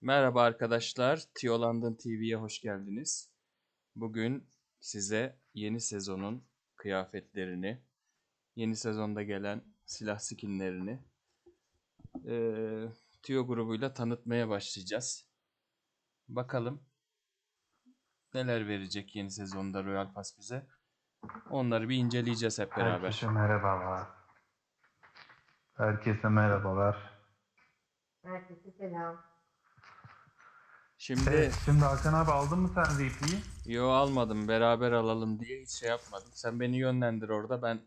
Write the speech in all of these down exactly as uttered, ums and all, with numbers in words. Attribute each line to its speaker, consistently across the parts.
Speaker 1: Merhaba arkadaşlar, Tio London T V'ye hoş geldiniz. Bugün size yeni sezonun kıyafetlerini, yeni sezonda gelen silah skinlerini eee Tio grubuyla tanıtmaya başlayacağız. Bakalım neler verecek yeni sezonda Royal Pass bize. Onları bir inceleyeceğiz hep
Speaker 2: Herkese
Speaker 1: beraber.
Speaker 2: merhabalar. Herkese merhabalar.
Speaker 3: Herkese selam.
Speaker 1: Şimdi
Speaker 2: Evet, şimdi Hakan abi aldın mı sen V P'yi?
Speaker 1: yo almadım, beraber alalım diye hiç şey yapmadım. Sen beni yönlendir orada, ben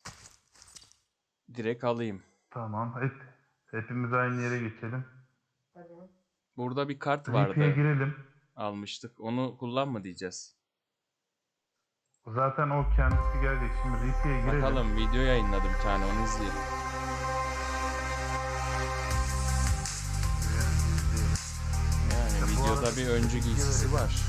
Speaker 1: direkt alayım.
Speaker 2: Tamam. Hep, hepimiz aynı yere geçelim.
Speaker 3: Tabii.
Speaker 1: Burada bir kart
Speaker 2: V P'ye
Speaker 1: vardı,
Speaker 2: girelim.
Speaker 1: almıştık. Onu kullanma diyeceğiz.
Speaker 2: Zaten o kendisi gelecek. Şimdi V P'ye girelim.
Speaker 1: Bakalım, video yayınladı bir tane, onu izleyelim. Yani
Speaker 2: Ya bu
Speaker 1: videoda
Speaker 2: arada
Speaker 1: bir öncü
Speaker 2: bilgi
Speaker 1: giysisi
Speaker 2: verelim.
Speaker 1: var.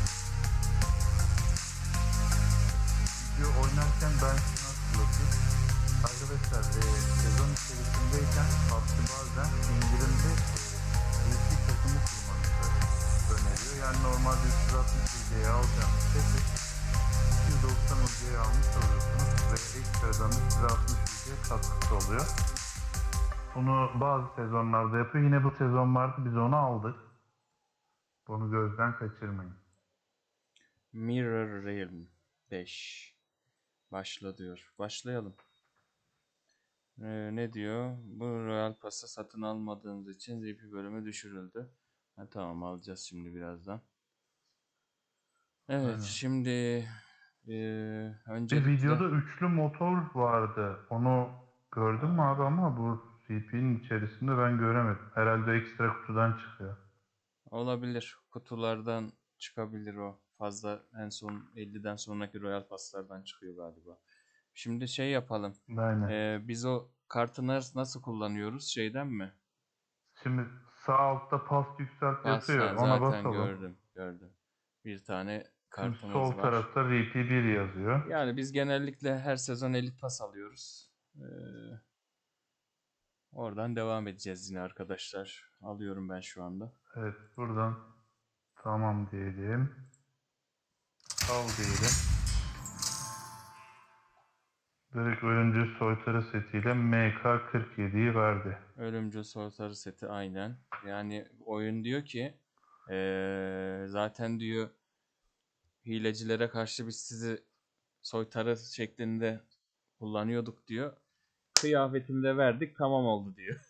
Speaker 2: Video oynarken ben şunu hatırlatayım. Arkadaşlar e, sezon içerisindeyken PUBG bazen indirimli e, V P takımı kurmanızı öneriyor. Yani normalde üç yüz altmış U C'ye alacağınız seti iki yüz doksan U C'ye almış oluyorsunuz ve ekstradan üç yüz altmış U C katkısı oluyor. Bunu bazı sezonlarda yapıyor. Yine bu sezon vardı, biz onu aldık. Bunu gözden kaçırmayın.
Speaker 1: Mirror Realm beş. Başla diyor. Başlayalım. Ee, ne diyor? Bu Royal Pass'ı satın almadığınız için V P bölümü düşürüldü. Ha, tamam, alacağız şimdi birazdan. Evet,
Speaker 2: Aynen.
Speaker 1: şimdi e,
Speaker 2: Bir
Speaker 1: öncelikle
Speaker 2: videoda üçlü motor vardı. Onu gördün mü abi, ama bu V P'nin içerisinde ben göremedim. Herhalde ekstra kutudan çıkıyor.
Speaker 1: olabilir. Kutulardan çıkabilir o. Fazla en son elliden sonraki Royal Pass'lardan çıkıyor galiba. Şimdi şey yapalım.
Speaker 2: Aynen.
Speaker 1: Ee, biz o kartı nas- nasıl kullanıyoruz? Şeyden mi?
Speaker 2: Şimdi sağ altta pas yükselt
Speaker 1: Pas,
Speaker 2: yazıyor.
Speaker 1: ha,
Speaker 2: Ona
Speaker 1: zaten
Speaker 2: basalım.
Speaker 1: gördüm. Gördüm. Bir tane
Speaker 2: Şimdi
Speaker 1: kartımız
Speaker 2: sol
Speaker 1: var.
Speaker 2: tarafta V P bir yazıyor.
Speaker 1: Yani biz genellikle her sezon elit pas alıyoruz. Ee, oradan devam edeceğiz yine arkadaşlar. Alıyorum ben şu anda.
Speaker 2: Evet, buradan tamam diyelim. Al diyelim. Direkt ölümcül soytarı setiyle M K kırk yediyi verdi.
Speaker 1: Ölümcül soytarı seti aynen. Yani oyun diyor ki ee, zaten diyor hilecilere karşı biz sizi soytarı şeklinde kullanıyorduk diyor. Kıyafetini de verdik, tamam oldu diyor.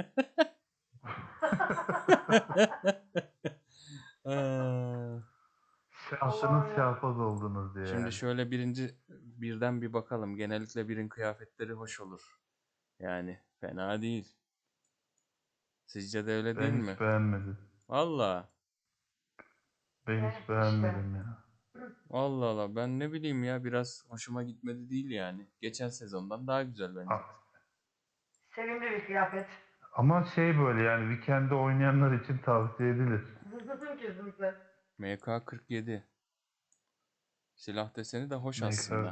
Speaker 1: Aa,
Speaker 2: Şansınız
Speaker 3: Allah'ım ya.
Speaker 2: şahbaz oldunuz diye
Speaker 1: Şimdi
Speaker 2: yani.
Speaker 1: şöyle birinci birden bir bakalım. Genellikle birin kıyafetleri hoş olur. Yani fena değil. Sizce de öyle değil
Speaker 2: Ben
Speaker 1: mi?
Speaker 2: hiç beğenmedim.
Speaker 1: Valla.
Speaker 2: Ben
Speaker 3: Evet
Speaker 2: hiç
Speaker 3: işte.
Speaker 2: beğenmedim ya.
Speaker 1: Allah Allah, ben ne bileyim ya, biraz hoşuma gitmedi değil yani. Geçen sezondan daha güzel bence.
Speaker 2: A-
Speaker 3: Sevimli bir kıyafet.
Speaker 2: Ama şey, böyle yani weekend'de oynayanlar için tavsiye edilir.
Speaker 3: Kesinlikle.
Speaker 1: M K kırk yedi. Silah deseni de hoş
Speaker 2: M K
Speaker 1: aslında.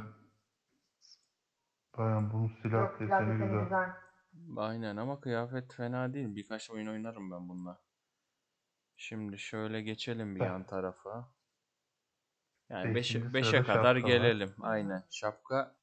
Speaker 2: bayan bunun silah
Speaker 3: Yok, silah
Speaker 2: deseni
Speaker 3: deseni
Speaker 2: güzel.
Speaker 3: güzel.
Speaker 1: Aynen, ama kıyafet fena değil. Birkaç oyun oynarım ben bununla. Şimdi şöyle geçelim bir yan tarafa. Yani
Speaker 2: Beşinci
Speaker 1: beşe
Speaker 2: sırada
Speaker 1: kadar
Speaker 2: şapka var.
Speaker 1: gelelim. Aynen. Şapka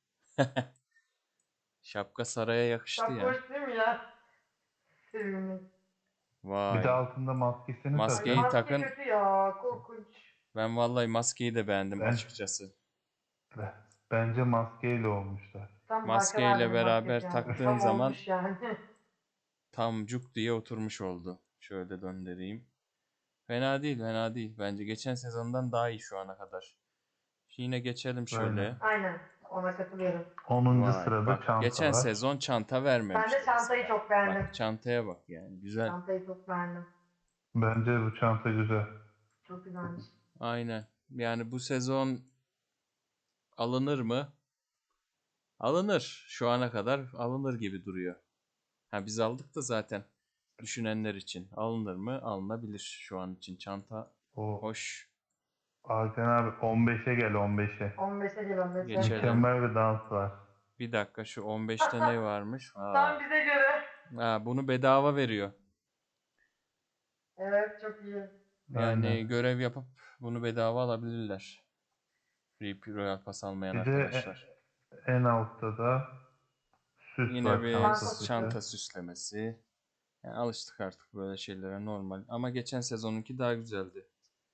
Speaker 1: şapka saraya yakıştı
Speaker 3: Şapka
Speaker 1: ya.
Speaker 3: hoş değil mi ya? Sevimli.
Speaker 2: Bir de
Speaker 1: Vay.
Speaker 2: altında maskesini
Speaker 3: Ay
Speaker 1: Maskeyi
Speaker 2: takın.
Speaker 3: maske
Speaker 1: takın.
Speaker 3: kötü ya. Korkunç.
Speaker 1: Ben vallahi maskeyi de beğendim
Speaker 2: Ben,
Speaker 1: açıkçası.
Speaker 2: bence maskeyle olmuşlar.
Speaker 3: Tam Hakan
Speaker 1: Maskeyle
Speaker 3: abinin maskesi
Speaker 1: beraber
Speaker 3: yani.
Speaker 1: taktığın
Speaker 3: Tam
Speaker 1: zaman
Speaker 3: olmuş yani.
Speaker 1: tam cuk diye oturmuş oldu. Şöyle döndüreyim. Fena değil, fena değil. Bence geçen sezondan daha iyi şu ana kadar. Yine geçelim
Speaker 2: Aynen.
Speaker 1: şöyle.
Speaker 3: Aynen. Ona katılıyorum.
Speaker 2: Onuncu
Speaker 1: Vay
Speaker 2: sırada
Speaker 1: bak,
Speaker 2: çanta
Speaker 1: geçen
Speaker 2: var.
Speaker 1: sezon çanta
Speaker 3: Ben de
Speaker 1: vermemişti
Speaker 3: çantayı
Speaker 1: mesela.
Speaker 3: çok beğendim.
Speaker 1: Bak çantaya bak yani, güzel.
Speaker 3: Çantayı çok beğendim.
Speaker 2: Bence bu çanta güzel.
Speaker 3: Çok güzelmiş.
Speaker 1: Aynen. Yani bu sezon alınır mı? Alınır. Şu ana kadar alınır gibi duruyor. Ha, biz aldık da zaten, düşünenler için. Alınır mı? Alınabilir şu an için. Çanta
Speaker 2: O
Speaker 1: hoş.
Speaker 2: Hakan abi on beşe gel, on beşe.
Speaker 3: on beşe gel on beşe.
Speaker 1: Geçelim.
Speaker 2: Mükemmel bir dans var.
Speaker 1: Bir dakika, şu on beşte ne varmış?
Speaker 3: Tam
Speaker 1: Aa.
Speaker 3: bize göre.
Speaker 1: Ha, bunu bedava veriyor.
Speaker 3: Evet çok iyi.
Speaker 1: Yani
Speaker 2: Aynen.
Speaker 1: görev yapıp bunu bedava alabilirler. R P Royal Pass almayan
Speaker 2: Bir de
Speaker 1: arkadaşlar.
Speaker 2: e- en altta da süs
Speaker 1: Yine
Speaker 2: var,
Speaker 1: bir
Speaker 2: çanta
Speaker 3: Çanta
Speaker 2: süsü.
Speaker 1: çanta süslemesi. Yani alıştık artık böyle şeylere, normal. Ama geçen sezonunki daha güzeldi.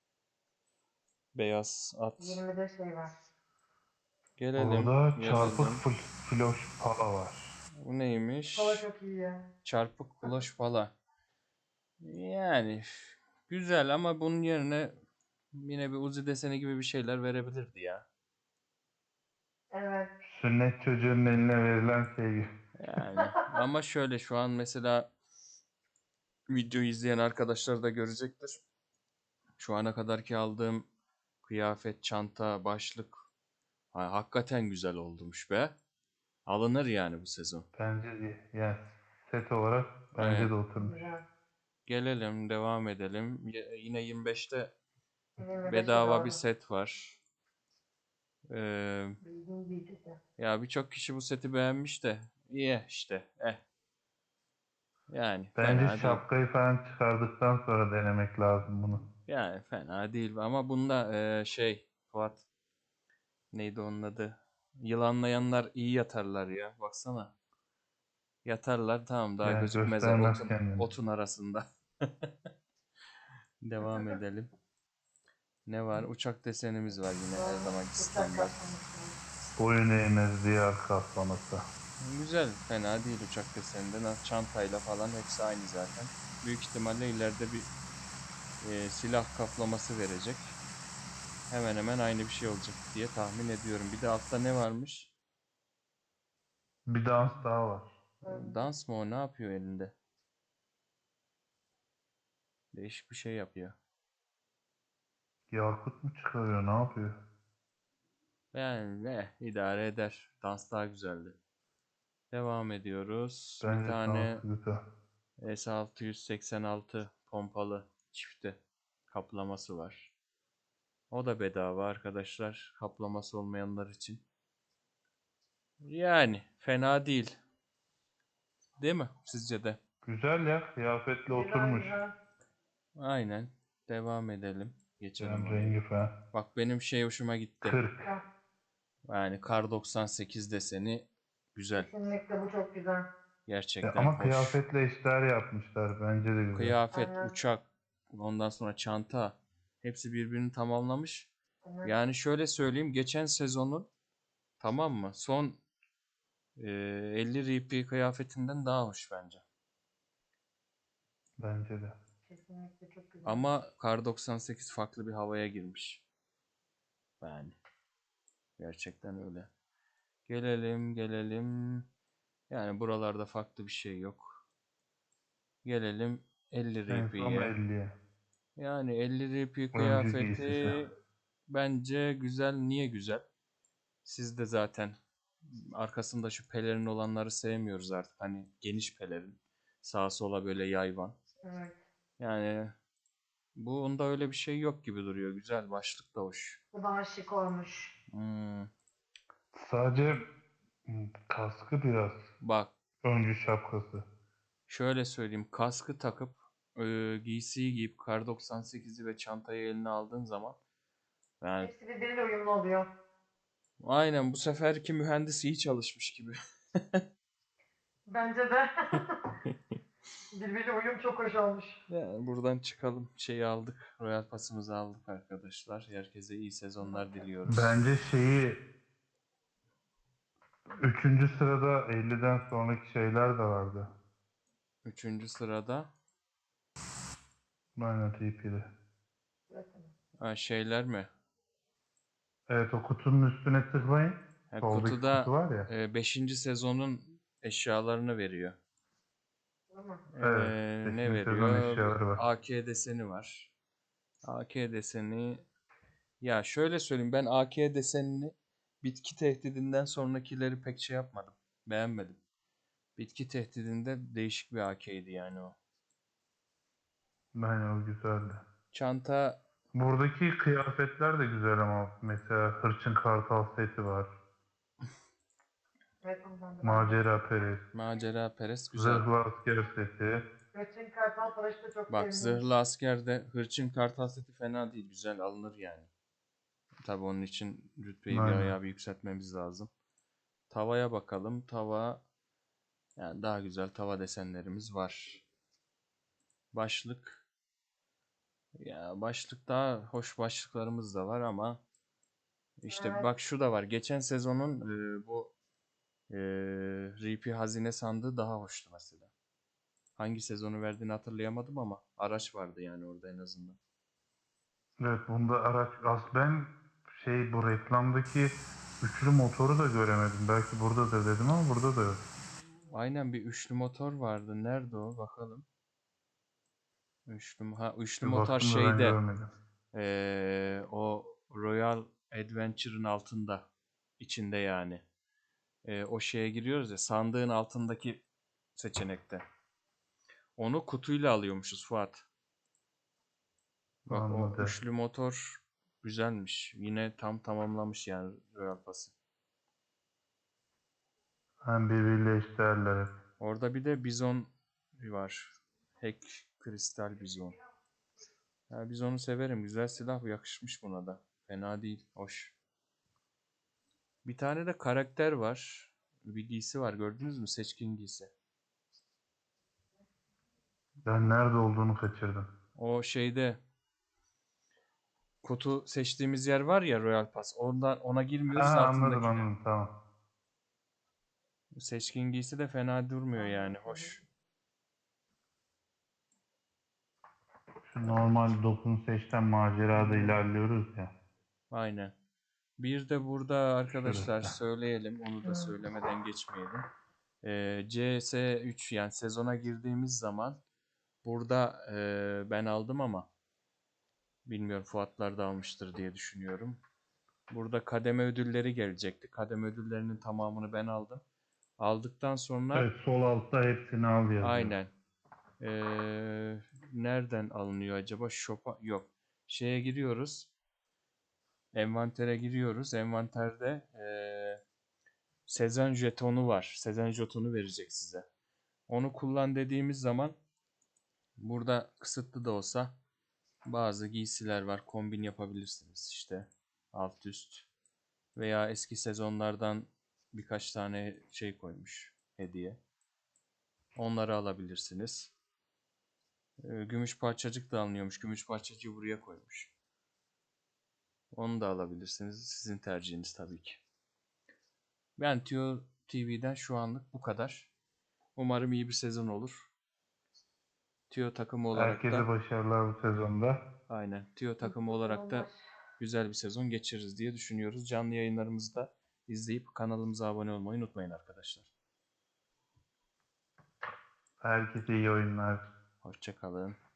Speaker 1: Beyaz at.
Speaker 3: yirmide şey var.
Speaker 1: Gelelim,
Speaker 2: Orada çarpık
Speaker 1: gelelim.
Speaker 2: fl floş pala var.
Speaker 1: Bu neymiş?
Speaker 3: Kola çok iyi ya.
Speaker 1: Çarpık kloş pala. Yani güzel ama bunun yerine yine bir Uzi deseni gibi bir şeyler verebilirdi ya.
Speaker 3: Evet.
Speaker 2: Sünnet çocuğunun eline verilen şey gibi.
Speaker 1: Yani ama şöyle, şu an mesela videoyu izleyen arkadaşlar da görecektir. Şu ana kadarki aldığım kıyafet, çanta, başlık ha, hakikaten güzel olmuş be. Alınır yani bu sezon.
Speaker 2: Bence de yani set olarak bence
Speaker 1: Evet.
Speaker 2: de oturmuş.
Speaker 3: Güzel.
Speaker 1: Gelelim, devam edelim. Y- yine yirmi beşte
Speaker 3: yirmi beşe
Speaker 1: bedava bir
Speaker 3: doğru.
Speaker 1: set var. Ee,
Speaker 3: Bildiğin büyütücü.
Speaker 1: ya birçok kişi bu seti beğenmiş de iyi işte. Eh. Yani
Speaker 2: Bence
Speaker 1: fena değil.
Speaker 2: şapkayı falan çıkardıktan sonra denemek lazım bunu.
Speaker 1: Yani fena değil ama bunda eee, şey Fuat, neydi onun adı? Yılanlayanlar iyi yatarlar ya. Baksana. Yatarlar, tamam, daha
Speaker 2: Yani
Speaker 1: gözükmezler
Speaker 2: göstermez
Speaker 1: otun
Speaker 2: kendini.
Speaker 1: otun arasında. Devam edelim. Ne var? Uçak desenimiz var yine, her zamanki
Speaker 3: Uçak
Speaker 1: standart.
Speaker 3: kaplaması.
Speaker 2: Boyun eğmez diyar kaplaması.
Speaker 1: Güzel, fena değil uçak deseninden. Çantayla falan hepsi aynı zaten. Büyük ihtimalle ileride bir eee, silah kaplaması verecek. Hemen hemen aynı bir şey olacak diye tahmin ediyorum. Bir de altta ne varmış?
Speaker 2: Bir dans daha var.
Speaker 1: Dans mı o? Ne yapıyor elinde? Değişik bir şey yapıyor.
Speaker 2: Yakut mu çıkarıyor, ne yapıyor?
Speaker 1: Yani ne idare eder. Dans daha güzeldi. Devam ediyoruz. Bir
Speaker 2: Bence
Speaker 1: tane
Speaker 2: dansı güzel.
Speaker 1: S altı yüz seksen altı pompalı çifte kaplaması var. O da bedava arkadaşlar. Kaplaması olmayanlar için. Yani fena değil. Değil mi? Sizce de?
Speaker 2: Güzel ya, kıyafetle
Speaker 3: Güzel
Speaker 2: oturmuş.
Speaker 3: güzel.
Speaker 1: Aynen. Devam edelim. Geçelim
Speaker 2: Yani
Speaker 1: orayı.
Speaker 2: rengi falan.
Speaker 1: Bak benim şey hoşuma gitti.
Speaker 2: kırk.
Speaker 3: Ya,
Speaker 1: Yani Kar doksan sekiz deseni güzel.
Speaker 3: kesinlikle bu çok güzel.
Speaker 2: Ya
Speaker 1: Gerçekten
Speaker 2: ama
Speaker 1: hoş.
Speaker 2: kıyafetle eşdeğer yapmışlar. Bence de güzel.
Speaker 1: Kıyafet,
Speaker 3: Aynen.
Speaker 1: uçak, ondan sonra çanta, hepsi birbirini tamamlamış.
Speaker 3: Evet.
Speaker 1: Yani şöyle söyleyeyim, geçen sezonun, tamam mı, son e, elli R P kıyafetinden daha hoş bence.
Speaker 2: Bence de.
Speaker 3: Kesinlikle çok güzel.
Speaker 1: Ama Kar doksan sekiz farklı bir havaya girmiş. Yani gerçekten öyle. Gelelim gelelim. Yani buralarda farklı bir şey yok. Gelelim elli
Speaker 2: En son
Speaker 1: R P'ye.
Speaker 2: elliye.
Speaker 1: Yani elli R P
Speaker 2: Öncü giysisi.
Speaker 1: kıyafeti bence güzel. Niye güzel? Siz de zaten arkasında şu pelerin olanları sevmiyoruz artık. Hani geniş pelerin. Sağa sola böyle yayvan.
Speaker 3: Evet.
Speaker 1: Yani bunda öyle bir şey yok gibi duruyor. Güzel, başlık da hoş.
Speaker 3: Bu daha şık olmuş.
Speaker 1: Hmm,
Speaker 2: Sadece hmm, kaskı biraz.
Speaker 1: bak
Speaker 2: Öncü şapkası.
Speaker 1: şöyle söyleyeyim. Kaskı takıp e, giysiyi giyip Kar doksan sekizi ve çantayı eline aldığın zaman yani
Speaker 3: Hepsi birbiriyle uyumlu oluyor.
Speaker 1: aynen bu seferki mühendis iyi çalışmış gibi.
Speaker 3: Bence de. Birbiriyle uyum çok hoş olmuş.
Speaker 1: Yani buradan çıkalım. Şeyi aldık. Royal Pass'ımızı aldık arkadaşlar. Herkese iyi sezonlar diliyoruz.
Speaker 2: Bence şeyi üçüncü sırada elliden sonraki şeyler de vardı.
Speaker 1: Üçüncü sırada
Speaker 2: Aynen T P'de.
Speaker 1: ha, şeyler mi?
Speaker 2: Evet, o kutunun üstüne tıklayın.
Speaker 1: Ha,
Speaker 2: Soldaki kutu
Speaker 1: kutuda
Speaker 2: var ya.
Speaker 1: e, beşinci sezonun eşyalarını veriyor.
Speaker 3: Değil mi?
Speaker 2: Evet.
Speaker 1: Ee, ne
Speaker 2: beşinci sezon
Speaker 1: veriyor?
Speaker 2: eşyaları var.
Speaker 1: A K deseni var. A K deseni, ya şöyle söyleyeyim, ben A K desenini bitki tehdidinden sonrakileri pek şey yapmadım. Beğenmedim. Bitki tehdidinde değişik bir A K'ydi yani o.
Speaker 2: Aynen, o güzeldi.
Speaker 1: Çanta
Speaker 2: Buradaki kıyafetler de güzel ama mesela Hırçın Kartal seti var.
Speaker 3: Evet ondan da ben de.
Speaker 2: Macera Perest.
Speaker 1: macera perest güzel.
Speaker 2: Zırhlı Asker seti.
Speaker 3: Göçün Kartal Paraş'ı da çok
Speaker 1: Bak
Speaker 3: sevindim.
Speaker 1: zırhlı askerde hırçın kartal seti fena değil. Güzel alınır yani. Tabii onun için rütbeyi bir
Speaker 2: Aynen.
Speaker 1: ayağı bir yükseltmemiz lazım. Tavaya bakalım. Tava yani daha güzel tava desenlerimiz var. Başlık. Ya başlık daha hoş başlıklarımız da var ama işte
Speaker 3: Evet.
Speaker 1: bak şu da var. Geçen sezonun e, bu e, R P hazine sandığı daha hoştu mesela. Hangi sezonu verdiğini hatırlayamadım ama araç vardı yani orada en azından.
Speaker 2: Evet, bunda araç az ben şey bu reklamdaki üçlü motoru da göremedim. Belki burada da dedim ama burada da yok.
Speaker 1: Aynen bir üçlü motor vardı. Nerede o? Bakalım. Üçlü, ha, üçlü
Speaker 2: Bir
Speaker 1: motor
Speaker 2: baktım da ben
Speaker 1: şeyde.
Speaker 2: görmedim.
Speaker 1: Ee, o Royal Adventure'ın altında. İçinde yani. Ee, o şeye giriyoruz ya. Sandığın altındaki seçenekte. Onu kutuyla alıyormuşuz Fuat. Bak o
Speaker 2: Anladım.
Speaker 1: üçlü motor güzelmiş. Yine tam tamamlamış yani Royal Pass'ı.
Speaker 2: Hem birbiriyle eşdeğerler hep.
Speaker 1: Orada bir de bizon var. Hack kristal bizon. Ya bizonu severim. Güzel silah, yakışmış buna da. Fena değil. Hoş. Bir tane de karakter var. Bir giysi var. Gördünüz mü? Seçkin giysi.
Speaker 2: Ben nerede olduğunu kaçırdım.
Speaker 1: O şeyde kutu seçtiğimiz yer var ya, Royal Pass. Ondan ona
Speaker 2: Ha,
Speaker 1: girmiyoruz,
Speaker 2: anladım
Speaker 1: altındakine.
Speaker 2: anladım, tamam.
Speaker 1: Seçkin giysi de fena durmuyor yani. Hoş.
Speaker 2: Şu normal dokun seçten macerada ilerliyoruz ya.
Speaker 1: Aynen. Bir de burada arkadaşlar
Speaker 2: Şurası.
Speaker 1: söyleyelim. Onu da söylemeden geçmeyelim. Ee, C S üç yani sezona girdiğimiz zaman burada e, ben aldım ama bilmiyorum Fuatlar da almıştır diye düşünüyorum. Burada kademe ödülleri gelecekti. Kademe ödüllerinin tamamını ben aldım. Aldıktan sonra
Speaker 2: Evet, sol altta hepsini al yazıyor.
Speaker 1: aynen. Ee, nereden alınıyor acaba? Shop'a yok. Şeye giriyoruz. Envantere giriyoruz. Envanterde ee, sezon jetonu var. Sezon jetonu verecek size. Onu kullan dediğimiz zaman burada kısıtlı da olsa bazı giysiler var. Kombin yapabilirsiniz işte. Alt üst. Veya eski sezonlardan birkaç tane şey koymuş hediye. Onları alabilirsiniz. Ee, Gümüş parçacık da alınıyormuş. Gümüş parçacığı buraya koymuş. Onu da alabilirsiniz. Sizin tercihiniz tabii ki. Ben Tio T V'den şu anlık bu kadar. Umarım iyi bir sezon olur. Tio takımı olarak
Speaker 2: Herkese
Speaker 1: da
Speaker 2: başarılar bu sezonda.
Speaker 1: aynen. Tio takımı olarak da güzel bir sezon geçiririz diye düşünüyoruz. Canlı yayınlarımızı da izleyip kanalımıza abone olmayı unutmayın arkadaşlar.
Speaker 2: Herkese iyi oyunlar.
Speaker 1: Hoşça kalın.